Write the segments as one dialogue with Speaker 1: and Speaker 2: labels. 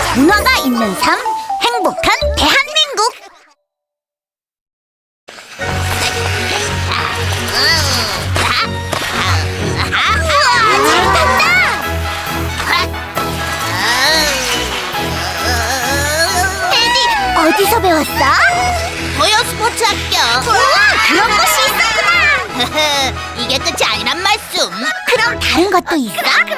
Speaker 1: 문화가 있는 삶, 행복한 대한민국. 우와, 잘 탄다. 에디, 어디서 배웠어?
Speaker 2: 도요 스포츠 학교.
Speaker 1: 우와, 그런 곳이 있었구나.
Speaker 2: 이게 끝이 아니란 말씀.
Speaker 1: 그럼 다른 것도 있어?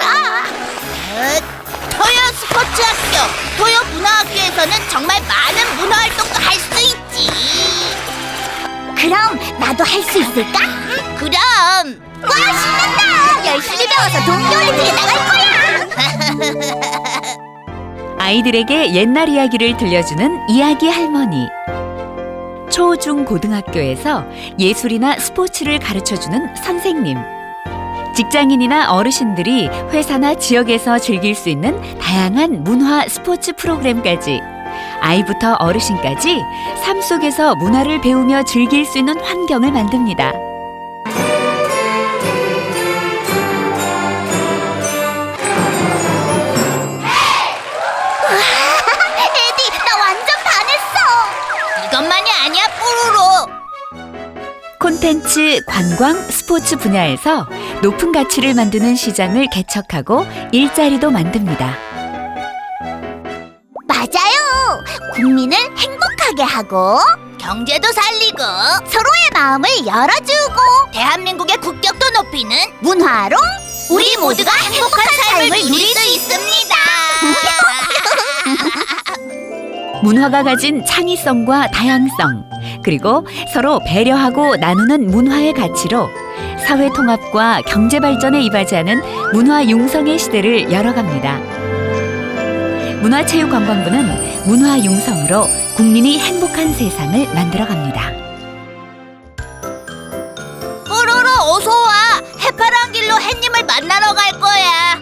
Speaker 2: 토요 스포츠 학교, 토요 문화학교에서는 정말 많은 문화 활동도 할 수 있지.
Speaker 1: 그럼 나도 할 수 있을까?
Speaker 2: 그럼.
Speaker 1: 와, 신난다. 열심히 배워서 동계올림픽에 나갈 거야.
Speaker 3: 아이들에게 옛날 이야기를 들려주는 이야기 할머니. 초, 중, 고등학교에서 예술이나 스포츠를 가르쳐주는 선생님. 직장인이나 어르신들이 회사나 지역에서 즐길 수 있는 다양한 문화 스포츠 프로그램까지 아이부터 어르신까지 삶 속에서 문화를 배우며 즐길 수 있는 환경을 만듭니다.
Speaker 1: 에디, 나 완전 반했어.
Speaker 2: 이것만이 아니야, 뽀로로.
Speaker 3: 콘텐츠, 관광, 스포츠 분야에서 높은 가치를 만드는 시장을 개척하고 일자리도 만듭니다.
Speaker 1: 맞아요. 국민을 행복하게 하고
Speaker 2: 경제도 살리고
Speaker 1: 서로의 마음을 열어주고
Speaker 2: 대한민국의 국격도 높이는
Speaker 1: 문화로
Speaker 2: 우리 모두가 행복한 삶을 누릴 수 있습니다.
Speaker 3: 문화가 가진 창의성과 다양성, 그리고 서로 배려하고 나누는 문화의 가치로 사회 통합과 경제 발전에 이바지하는 문화 융성의 시대를 열어갑니다. 문화체육관광부는 문화 융성으로 국민이 행복한 세상을 만들어갑니다.
Speaker 2: 뽀로로 어서 와. 해파란 길로 햇님을 만나러 갈 거야.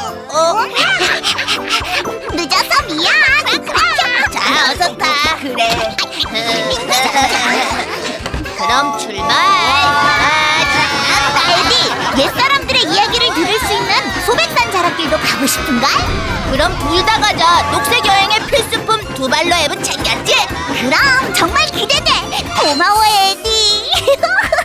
Speaker 1: 늦어서 미안.
Speaker 2: 자, 어서 타. 그래. 그럼 출발.
Speaker 1: 에디, 옛사람들의 이야기를 들을 수 있는 소백산 자락길도 가고 싶은걸?
Speaker 2: 그럼 둘 다 가자. 녹색 여행의 필수품 두 발로 앱은 챙겼지?
Speaker 1: 그럼 정말 기대돼. 고마워, 에디.